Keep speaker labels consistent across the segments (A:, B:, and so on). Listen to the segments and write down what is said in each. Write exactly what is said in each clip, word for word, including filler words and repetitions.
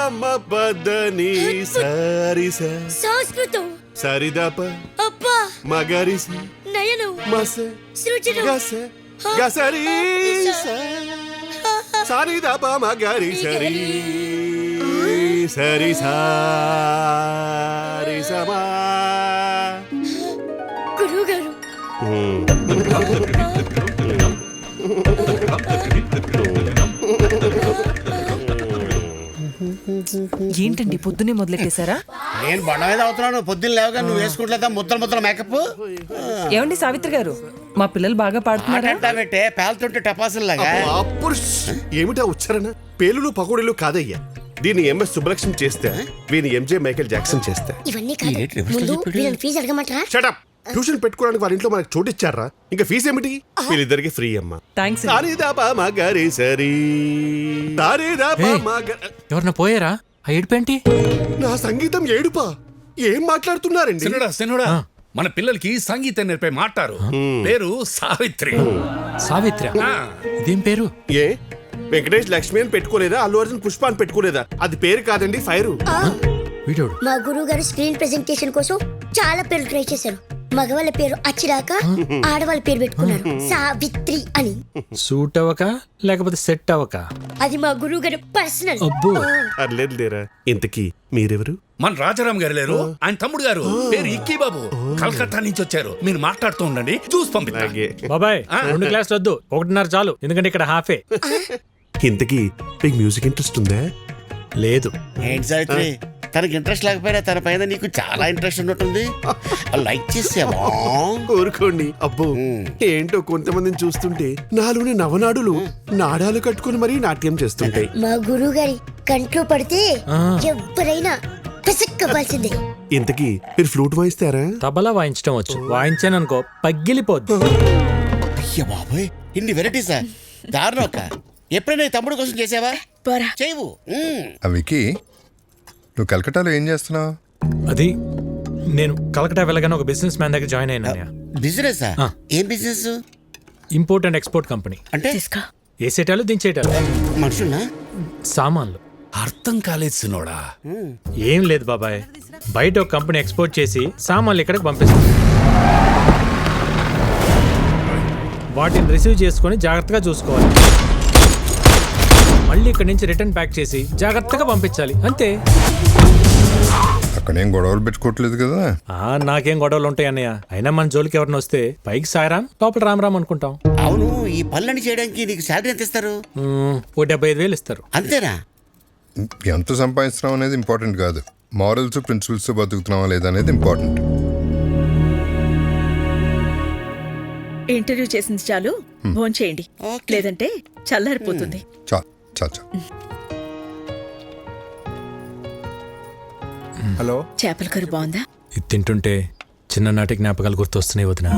A: మదని సారిస
B: సంస్కృతం
A: సరిదప
B: అబ్బా
A: మగరిస
B: నయనం
A: మస
B: సృజనం
A: గస గసరి సరిదప మగరి సరి సరి సారి సమా
B: గురువు గారు
C: ఏంటండి పొద్దునే మొదలెట్టేశారా?
D: నేను బండ మీద అవుతున్నాను. పొద్దున్న లేవగా నువ్వు వేసుకుంటా ముద్దలు ముద్దల మేకప్.
C: ఏమండి సావిత్రి గారు, మా పిల్లలు బాగా పాడుతున్నారా?
D: పెట్టే పేలుతుంటే టపాసుల్లాగా.
A: ఏమిటా ఉచ్చారణ? పేలులు పకోడీలు కాదయ్యా. దీన్ని ఎంఎస్ సుబ్బలక్ష్మి చేస్తే, వీని ఎంజే మైకేల్ జాక్సన్ చేస్తే.
B: ఇవన్నీ కాదు, ముందు వీళ్ళని ఫీజు అడగమంటారా?
A: షటప్. ట్యూషన్ పెట్టుకోవడానికి వాళ్ళ ఇంట్లో మనకు చోటు ఇచ్చారా? ఇంకా ఫీజు ఏమిటి? వీళ్ళిద్దరికి ఫ్రీ అమ్మా.
C: థాంక్స్.
E: ఎవరన్నా పోయారా? ఆ ఏడుపేంటి?
A: నా సంగీతం ఏడుపా? ఏం మాట్లాడుతున్నారండి?
F: సినుడా సినుడా మన పిల్లలకి సంగీతం నేర్పే మాటారు. పేరు సావిత్రి.
E: సావిత్రి? ఇదేం పేరు?
A: ఏ వెంకటేష్ లక్ష్మి అని పెట్టుకోలేదా? అల్లు అర్జున్ పుష్ప అని పెట్టుకోలేదా? అది పేరు కాదండి, ఫైరు.
E: వీడోడు
B: మా గురువు గారు స్క్రీన్ ప్రెజెంటేషన్ కోసం చాలా పేర్లు ట్రై చేశారు. మగవాళ్ళ పేరు అచ్చిరాక ఆడవాళ్ళ పేరు పెట్టుకున్నారు సావిత్రి అని.
E: సూట్ అవ్వక లేకపోతే సెట్ అవ్వక?
B: అది మా గురువు గారు పర్సనల్.
E: అబ్బో,
A: అర్లేదు లేరా. ఇంతకీ మీరెవరు?
F: మన రాజారాం గారు లేరు, ఆయన తమ్ముడు గారు. పేరు ఇక్కీ బాబు. కలకత్తా నుంచి వచ్చారు. మీరు మాట్లాడుతూ ఉండండి, చూసి పంపిస్తా.
E: బాబాయ్ రెండు క్లాసులు వద్దు, ఒకటిన్నర చాలు, ఎందుకంటే ఇక్కడ హాఫే.
A: ఇంతకీ మీకు మ్యూజిక్ ఇంట్రెస్ట్ ఉందా?
E: లేదు.
D: ఏంటి సావిత్రి, తనకి ఇంట్రెస్ట్ లేకపోయినా తన పైన నీకు చాలా ఇంట్రెస్ట్ ఉన్నట్టుంది. లైక్ చేసావా?
A: కోరుకోండి. అబ్బో ఏంటో కొంతమందిని చూస్తుంటే నాలోని నవనాడులు నాడాలు కట్టుకుని మరీ నాట్యం చేస్తుంటాయి.
B: మా గురువు గారి కంట్లో పడితే ఎవరైనా పిసక్కవలసిందే.
A: ఇంతకీ మీరు ఫ్లూట్ వాయిస్తారా?
E: తబలా వాయించడం వచ్చు. వాయించాను అనుకో పగిలిపోద్ది.
D: అయ్య బాబోయ్, ఇన్ని వెరైటీసా? దారుణం అక్క. ఎప్పుడైనా ఈ తమ్ముడు కోసం చేసావా? చేయవు.
G: వికీ, నువ్వు కలకటాలో ఏం చేస్తున్నావు?
E: అది నేను కలకటా వెళ్ళగానే ఒక బిజినెస్ మ్యాన్ దగ్గర జాయిన్ అయినా.
D: బిజినెస్? ఏం business?
E: Import and export company.
D: అంటే
E: వేసేటాలు దించేటాలు.
D: మనుషున్నా?
E: సామాన్లు.
F: అర్థం కాలేదు సినోడా.
E: ఏం లేదు బాబాయ్, బయట ఒక కంపెనీ ఎక్స్పోర్ట్ చేసి సామాన్లు ఇక్కడికి పంపిస్తుంది. వాటిని రిసీవ్ చేసుకొని జాగ్రత్తగా చూసుకోవాలి. మళ్ళీ ఇక్కడి నుంచి రిటర్న్ ప్యాక్ చేసి జాగ్రత్తగా పంపించాలి, అంతే.
G: అక్కడేం గొడవలు పెట్టుకోవట్లేదు కదా?
E: ఆ నాకేం గొడవలు ఉంటాయి అన్నయ్య. అయినా మన జోలికి ఎవరిని వస్తే పైకి సాయరాం, లోపల రామ్ రామ్ అనుకుంటాం.
D: అవును, ఈ పనులన్నీ చేయడానికి నీకు శాలరీ ఎంత ఇస్తారు?
E: ఓ డెబ్బై ఐదు వేలు ఇస్తారు.
D: అంతేనా?
G: ఎంత సంపాదిస్తున్నాం అనేది ఇంపార్టెంట్ కాదు, మారల్స్ ప్రిన్సిపల్స్ బతుకుతున్నావా లేదా అనేది ఇంపార్టెంట్.
H: ఇంటర్వ్యూ చేసింది చాలు, భోంచేయండి, లేదంటే చల్లారిపోతుంది.
G: చా చా చా
I: హలో,
H: చేపల కర్రీ బాగుందా?
E: ఇది తింటుంటే చిన్ననాటి జ్ఞాపకాలు గుర్తొస్తున్నాయి వదిన.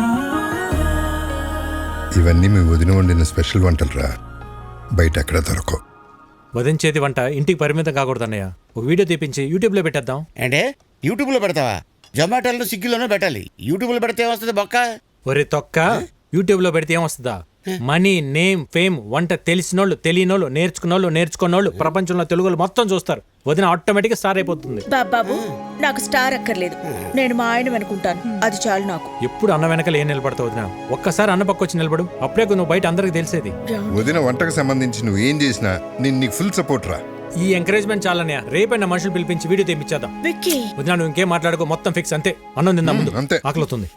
G: ఇవన్నీ మీ వదిన వండిన స్పెషల్ వంటలు రా, బయట ఎక్కడ దొరకవు.
E: వదిన చేతి వంట ఇంటికి పరిమితం కాకూడదు అన్నయ్య. ఒక వీడియో తీపించి యూట్యూబ్లో పెట్టేద్దాం.
D: అంటే యూట్యూబ్లో పెడతావా? జొమాటోలో స్విగ్గీలోనూ పెట్టాలి. యూట్యూబ్లో పెడితే ఏమొస్తుంది బొక్క?
E: ఒరే తొక్క, యూట్యూబ్లో పెడితే ఏమొస్తుందా? మనీ, నేమ్, ఫేమ్, వంట తెలిసినోళ్ళు, తెలియనోళ్ళు, నేర్చుకున్నోళ్ళు, నేర్చుకున్నోళ్ళు, ప్రపంచంలో తెలుగులు మొత్తం చూస్తారు. వదిన ఆటోమేటిక్ గా స్టార్ అయిపోతుంది.
H: బాబాబు, నాకు స్టార్ అక్కర్లేదు, నేను మా ఆయన అనుకుంటాను, అది చాలు నాకు.
E: ఎప్పుడు అన్న వెనకాల ఏం నిలబడతావు వదిన? ఒక్కసారి అన్న పక్క వచ్చి నిలబడు, అప్పుడే నువ్వు బయట అందరికి తెలిసేది.
G: వదిన వంటకు సంబంధించి నువ్వు ఏం చేసినా నేను నీకు ఫుల్ సపోర్ట్ రా.
E: ఈ ఎంకరేజ్మెంట్ చాలనే. రేపైనా మనుషులు పిలిపించి వీడియో తెప్పించేద్దాం. వదిన నువ్వు ఇంకేం మాట్లాడుకో, మొత్తం ఫిక్స్, అంతే. అన్నం తిందా ముందు,
G: అంతే.
E: ఆకలితుంది.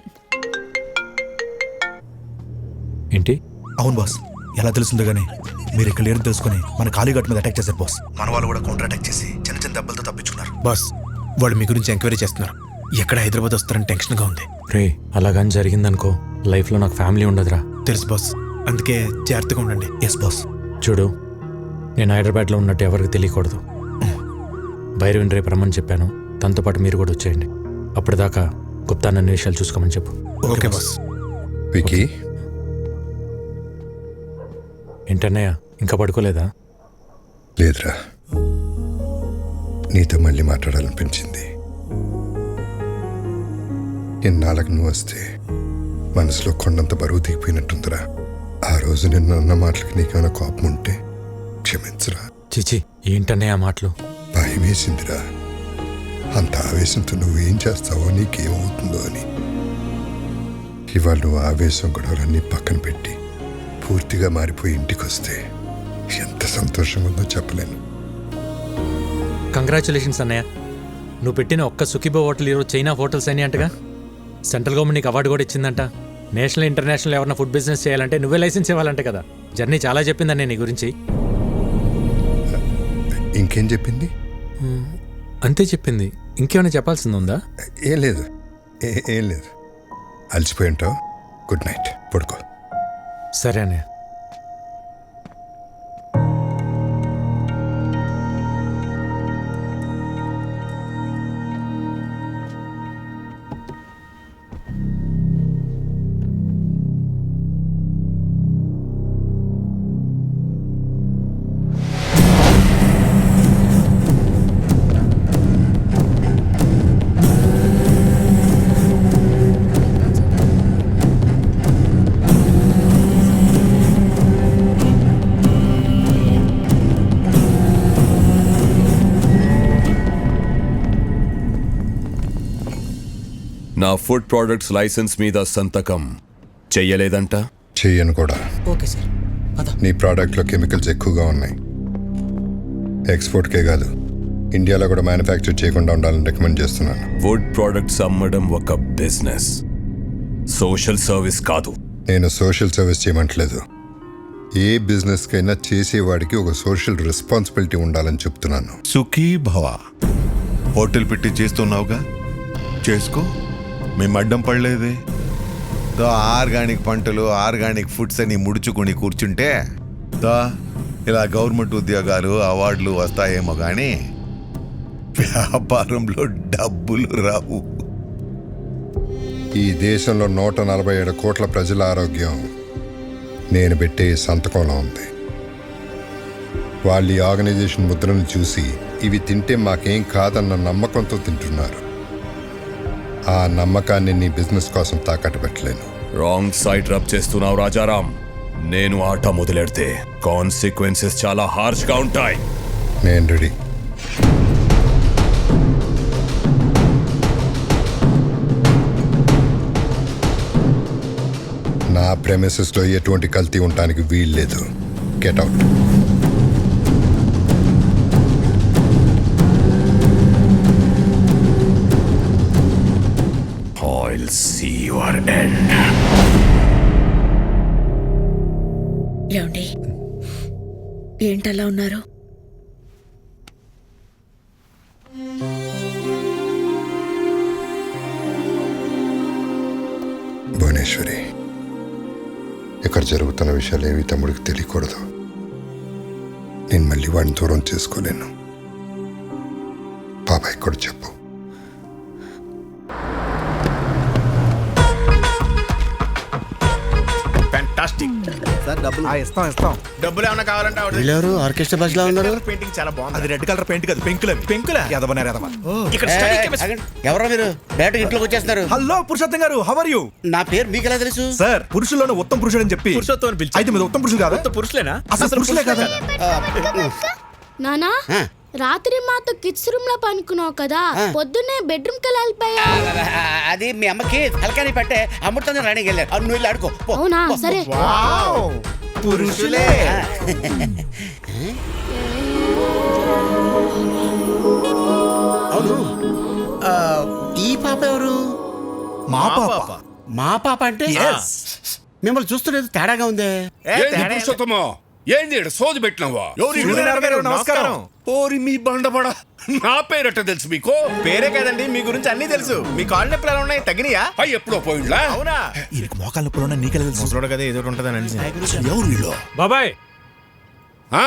E: ఏంటి?
I: అవును బాస్, ఎలా తెలుస్తుందో గానీ మీరు ఇక్కడ లేరు తెలుసుకుని మన కాళీఘాట్ మీద అటాక్ చేశారు బాస్. మన వాళ్ళు కూడా కౌంటర్ అటాక్ చేసి చిన్న చిన్న దెబ్బలతో తప్పించుకున్నారు బాస్. వాళ్ళు మీ గురించి ఎంక్వైరీ చేస్తున్నారు. ఎక్కడ హైదరాబాద్ వస్తారని టెన్షన్ గా ఉంది.
E: రే, అలాగని జరిగిందనుకో లైఫ్ లో నాకు ఫ్యామిలీ ఉండదురా.
I: తెలుసు బాస్, అందుకే జాగ్రత్తగా ఉండండి. Yes boss.
E: చూడు, నేను హైదరాబాద్లో ఉన్నట్టు ఎవరికి తెలియకూడదు. భైరవిని రేపు రమ్మని చెప్పాను, తనతో పాటు మీరు కూడా వచ్చేయండి. అప్పటిదాకా గుప్తా నన్ను విషయాలు చూసుకోమని చెప్పు.
I: Okay boss.
G: వికీ,
E: ఏంటన్నయ్య ఇంకా పడుకోలేదా?
G: లేదురా, నీతో మళ్ళీ మాట్లాడాలనిపించింది. ఎన్నాళ్ళకు నువ్వు వస్తే మనసులో కొండంత బరువు దిగిపోయినట్టుందిరా. ఆ రోజు నిన్న అన్న మాటలకి నీకేమైనా కోపం ఉంటే క్షమించరా.
E: చిచి, ఏంటన్నయ్య ఆ మాటలు?
G: బాయ్ భయం వేసిందిరా. అంత ఆవేశంతో నువ్వేం చేస్తావో నీకేమవుతుందో అని. ఇవాళ నువ్వు ఆవేశం గొడవలన్నీ పక్కన పెట్టి పూర్తిగా మారిపోయి ఇంటికి వస్తే ఎంత సంతోషంగా ఉందో చెప్పలేను.
E: కంగ్రాచులేషన్స్ అన్నయ్య. నువ్వు పెట్టిన ఒక్క సుఖీబో హోటల్ ఈరోజు చైనా హోటల్స్ అని అంటగా. సెంట్రల్ గవర్నమెంట్ నీకు అవార్డు కూడా ఇచ్చిందంట. నేషనల్ ఇంటర్నేషనల్ ఎవరైనా ఫుడ్ బిజినెస్ చేయాలంటే నువ్వే లైసెన్స్ ఇవ్వాలంటే కదా. జర్నీ చాలా చెప్పిందన్నయ్య నీ గురించి.
G: ఇంకేం చెప్పింది?
E: అంతే చెప్పింది. ఇంకేమైనా చెప్పాల్సింది ఉందా?
G: ఏం లేదు, ఏ- ఏం లేదు. అలసిపోయి ఉంటావు. గుడ్ నైట్, పడుకో.
E: సరే అన్నయ్య.
J: నా ఫుడ్ ప్రొడక్ట్స్ లైసెన్స్ మీద సంతకం చెయ్యలేదంట.
G: చెయ్యను కూడా.
C: Okay sir.
G: నీ ప్రోడక్ట్లో కెమికల్స్ ఎక్కువగా ఉన్నాయి. ఎక్స్పోర్ట్కే కాదు, ఇండియాలో కూడా మ్యానుఫ్యాక్చర్ చేయకుండా ఉండాలని రికమెండ్ చేస్తున్నాను.
J: ఫుడ్ ప్రొడక్ట్స్ అమ్మడం ఒక బిజినెస్, సోషల్ సర్వీస్ కాదు.
G: నేను సోషల్ సర్వీస్ చేయమంటలేదు. ఏ బిజినెస్కైనా చేసేవాడికి ఒక సోషల్ రెస్పాన్సిబిలిటీ ఉండాలని చెప్తున్నాను.
K: సుఖీ భవ. హోటల్ పెట్టి చేస్తున్నావుగా, చేసుకో. మేము అడ్డం పడలేదే.
L: దో ఆర్గానిక్ పంటలు, ఆర్గానిక్ ఫుడ్స్ అని ముడుచుకుని కూర్చుంటే దో ఇలా గవర్నమెంట్ ఉద్యోగాలు, అవార్డులు వస్తాయేమో కానీ వ్యాపారంలో డబ్బులు రావు.
G: ఈ దేశంలో నూట నలభై ఏడు కోట్ల ప్రజల ఆరోగ్యం నేను పెట్టే ఈ సంతకంలో ఉంది. వాళ్ళు ఈ ఆర్గనైజేషన్ ముద్రను చూసి ఇవి తింటే మాకేం కాదన్న నమ్మకంతో తింటున్నారు. ఆ నమ్మకాన్ని నీ బిజినెస్ కోసం తాకట్టు పెట్టలేను.
J: రాంగ్ సైడ్ రబ్ చేస్తున్నావు రాజారాం. నేను ఆట మొదలెడితే కాన్సిక్వెన్సెస్ చాలా హార్ష్ గా ఉంటాయి.
G: నేను రెడీ. నా ప్రెమిసెస్లో ఎటువంటి కల్తీ ఉండటానికి వీల్లేదు. Get out.
J: I'll see your end.
H: ఏమండి, ఏంటలా ఉన్నారు?
G: భువనేశ్వరి, ఇక్కడ జరుగుతున్న విషయాలు ఏవి తమ్ముడికి తెలియకూడదు. నేను మళ్ళీ వాడిని దూరం చేసుకోలేను. బాబాయ్ కూడా చెప్పు.
I: Fantastic sir. డబ్బులు ఇస్తాం ఇస్తాం. డబ్బులు ఏమైనా కావాలంటే
D: వీళ్ళెవరు ఆర్కెస్ట్రా బస్ లో ఉన్నారు?
I: పెయింటింగ్ చాలా బాగుంది. అది రెడ్ కలర్ పెయింట్ కాదు, పెంకుల పెంకుల ఎదవనారు ఎదవ. ఇక్కడ
D: ఏ,
I: స్టడీ
D: ఏ,
I: కెమిస్ట్రీ.
D: ఆగండి. ఎవరో మీరు డైరెక్ట్ ఇంట్లోకి వచ్చేస్తున్నారు.
I: హలో పురుషోత్తం గారు, హౌ ఆర్ యు?
D: నా పేరు మీకు ఎలా తెలుసు?
I: సార్, పురుషుల్లోనే ఉత్తమ పురుషుడు అని చెప్పి పురుషోత్తం పిలిచి. అయితే మీరు ఉత్తమ పురుషులు కాదా? ఉత్తమ పురుషులేనా? అసలు పురుషులే కదా.
B: నానా
D: ఆ.
B: రాత్రి మాతో కిడ్స్ రూమ్ లో పనుకున్నావు కదా, పొద్దున్నే బెడ్రూమ్ కి వెళ్ళిపోయా.
D: అది మీ అమ్మకి తలకాని పట్టే అమృతంగా రాణికి వెళ్ళారు. అవును, నువ్వు వెళ్ళి ఆడుకో పో.
B: అవునా? సరే.
I: పురుషులే.
D: అవును, ఆ, ఈ పాప ఎవరు?
I: మా పాప.
D: మా పాప అంటే మిమ్మల్ని చూస్తున్నది తేడాగా ఉందే.
F: ఏంది పురుషోత్తమో? ఏంది ఈడ సోది పెట్టినావా?
I: సూర్యనారాయణ గారు, నమస్కారం.
F: ఓరి మీ బండబడ, నా పేరట తెలుసు మీకు?
I: పేరే కదండి, మీ గురించి అన్ని తెలుసు. మీ కాళ్ళు నొప్పులు ఎలా ఉన్నాయి, తగ్గినాయా?
F: అయ్యి ఎప్పుడో పోయిండ్లా?
I: అవునా? ఈయనకు మోకాళ్ళ నొప్పులు ఉన్నాయి, నీకెలా తెలుసు? ముసలోడు కదా, ఏదో ఉంటుందని అనిసి. ఎవరు వీళ్ళు?
E: బాబాయ్,
F: ఆ,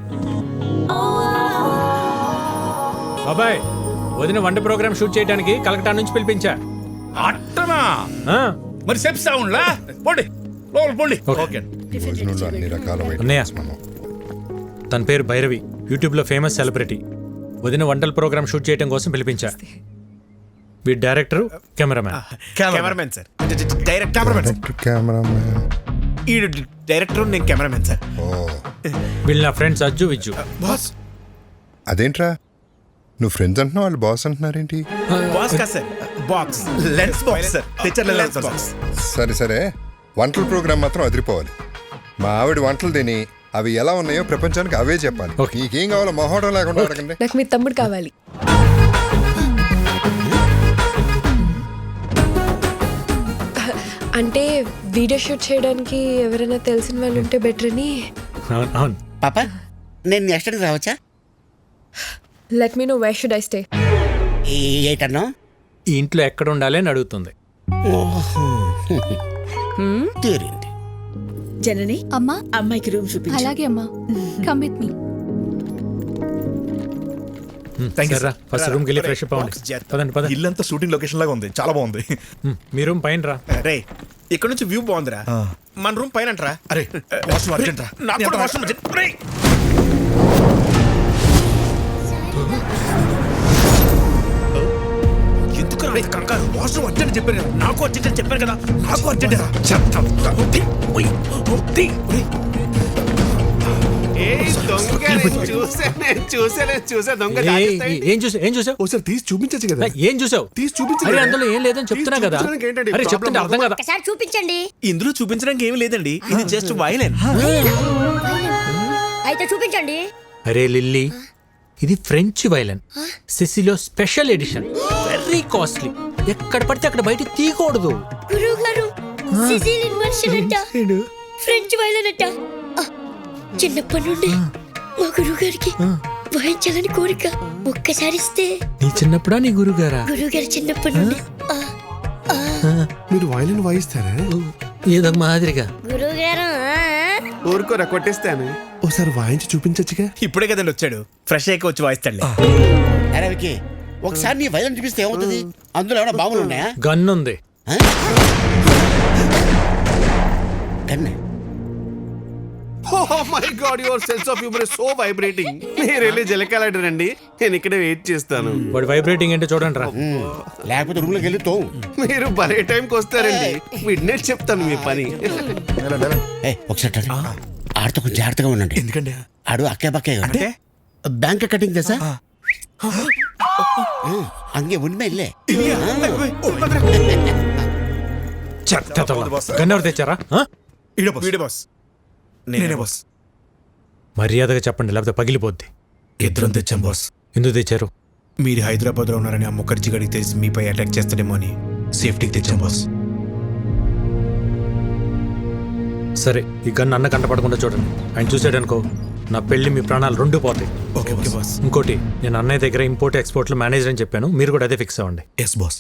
E: బాబాయ్, వదిన వంట ప్రోగ్రామ్ షూట్ చేయడానికి కలకటా నుంచి పిలిపించా.
F: అట్టనా?
E: ఆ,
F: మరి చెప్తా ఉండ్లా? పోండి లోపల పోండి.
E: ఓకే.
G: భోజనంలో అన్ని రకాల
E: అన్నయ్య.
G: ఐటమ్స్ మనం.
E: తన పేరు భైరవి, యూట్యూబ్లో ఫేమస్ సెలబ్రిటీ. వదిన వంటల ప్రోగ్రామ్ షూట్ చేయడం కోసం పిలిపించా. వీడి director, cameraman.
I: Cameramen sir. Direct cameramen sir.
G: Director, cameraman.
I: ఈ డైరెక్టర్, నేను కెమెరామెన్ సార్.
G: ఓ,
E: వీళ్ళు నా ఫ్రెండ్స్ అజ్జు విజ్జు.
I: బాస్,
G: అదేంట్రా నువ్వు ఫ్రెండ్స్ అంటున్నావు వాళ్ళు బాస్ అంటున్నారేంటి?
I: బాక్స్ కాదు sir, box lens box sir, తెచ్చారు లెన్స్ బాక్స్.
G: సరే సరే, వంటల ప్రోగ్రామ్ మాత్రం అదిరిపోవాలి. మా ఆవిడ వంటలు తిని అవి ఎలా ఉన్నాయో ప్రపంచానికి అవే చెప్పాలి. నీకేం కావాలో మొహోటం లేకుండా అడగండి.
M: నాకు మీ తమ్ముడు కావాలి. అంటే వీడియో షూట్ చేయడానికి ఎవరైనా తెలిసిన వాళ్ళు ఉంటే బెటర్ అని.
E: అవును అవును.
D: పాప నేను నెక్స్ట్ టైం రావచ్చా?
M: Let me know where should I stay.
D: ఏటన్నా
E: ఈ ఇంట్లో ఎక్కడ ఉండాలి అని అడుగుతుంది.
D: తీరింది.
H: జనని
M: అమ్మా,
H: అమ్మాయికి రూమ్ చూపించు.
M: అలాగే అమ్మా, కమ్ విత్ మీ.
E: ఫస్ట్ రూమ్కి వెళ్ళి ఫ్రెష్ అప్ అవ్వండి. పదండి పదండి.
I: ఇల్లంతా షూటింగ్ లొకేషన్ లాగా ఉంది, చాలా బాగుంది.
E: హ్మ్, మీ రూమ్ పైన రా.
I: రే ఇక్కడ నుంచి వ్యూ బాగుందిరా. మన రూమ్ పైన అంటరా. అరే వాష్రూమ్ అర్జెంట్ రా. నాకు కూడా వాష్రూమ్ అర్జెంట్. రే ఎందుకు రా కంగారు? వాష్రూమ్ అర్జెంట్ చెప్పాను కదా. నాకు అర్జెంట్ అని చెప్పాను కదా. నాకు అర్జెంట్ రా. చెప్తాం.
E: ఏ- ఏ- ఏం చూసా ఏం చూసావు?
A: ఒకసారి తీసి చూపించచ్చు కదా.
E: ఏం చూసావు?
A: తీసి చూపించు
E: అరే
A: కదా.
E: అందులో ఏం లేదని చెప్తున్నా
A: తీసి
E: కదా.
A: చూపించడానికి ఏంటండి
E: అరే చెప్తుంటే
A: problem?
E: అర్థం కదా.
B: ఒకసారి చూపించండి.
I: ఇందులో చూపించడానికి ఏమీ లేదండి, ఇది జస్ట్ వైలెన్.
B: అయితే చూపించండి.
E: అరే లిల్లీ, ఇది ఫ్రెంచ్ వైలన్, సిసిలో స్పెషల్ ఎడిషన్, వెరీ కాస్ట్లీ. ఎక్కడ పడితే అక్కడ బయట తీయకూడదు.
B: గురువు గారు, సిసిలియన్ వర్షన్ అంట, ఫ్రెంచ్ వైలన్ అంట. ఆ, చిన్నప్పటి నుండి మా గురువు గారికి వాయించాలని కోరిక. ఒక్కసారి ఇస్తే.
E: నీ చిన్నప్పుడా నీ గురుగారా?
B: గురువు గారు చిన్నప్పటి నుండి. ఆ, ఆ.
A: మీరు వైలిన్ వాయిస్తారా?
E: ఏదో మాదిరిగా.
B: గురువు గారు,
A: ఊరుకోరా కొట్టేస్తాను. ఒకసారి వాయించి చూపించచ్చుగా.
I: ఇప్పుడే కదండి వచ్చాడు, ఫ్రెష్ అయ్యి వచ్చి వాయిస్తాడులే.
D: అరే వికి, ఒకసారి నీ వైద్యం చూపిస్తే ఏమవుతుంది? అందులో ఏమైనా బాంబులు ఉన్నాయా?
E: గన్ ఉంది.
D: కన్నే.
A: Oh my God, your sense of humor is so vibrating. మీరు వెళ్ళి జలకాలండి, నేను ఇక్కడే వెయిట్ చేస్తాను.
E: వాడు వైబ్రేటింగ్ ఏంటో చూడండి రా.
D: లేకపోతే రూమ్ లోకి వెళ్ళి తో.
A: మీరు భలే టైంకి వస్తారండి. మిడ్ నైట్ చెప్తాను మీ పని.
D: ఏయ్, ఒకసారి ఆడితో కొంచెం జాగ్రత్తగా ఉండండి.
I: ఎందుకండి?
D: ఆడు అక్కే బక్కే
I: అంటే
D: బ్యాంక్ కటింగ్ తెసా అంగే ఉన్మే ఇల్లే.
E: గన్ ఎవరు తెచ్చారా? ఆ?
I: వీడే బాస్, నేనే బాస్.
E: మర్యాదగా చెప్పండి, లేకపోతే పగిలిపోద్ది.
I: ఇద్దరం తెచ్చాం బాస్.
E: ఎందుకు తెచ్చారు?
I: మీరు హైదరాబాద్ లో ఉన్నారని ఆ ముఖర్జీ గడికి తెలిసి మీపై అటాక్ చేస్తాడేమో అని సేఫ్టీకి తెచ్చాం బాస్.
E: సరే, ఈ గన్ అన్న కంట పడకుండా చూడండి. ఆయన చూసాడనుకో, నా పెళ్లి మీ ప్రాణాలు రెండు పోతాయి.
I: Okay okay boss.
E: ఇంకోటి, నేను అన్నయ్య దగ్గర ఇంపోర్ట్ ఎక్స్పోర్ట్ లో మేనేజర్ అని చెప్పాను, మీరు కూడా అదే ఫిక్స్ అవ్వండి.
I: Yes boss.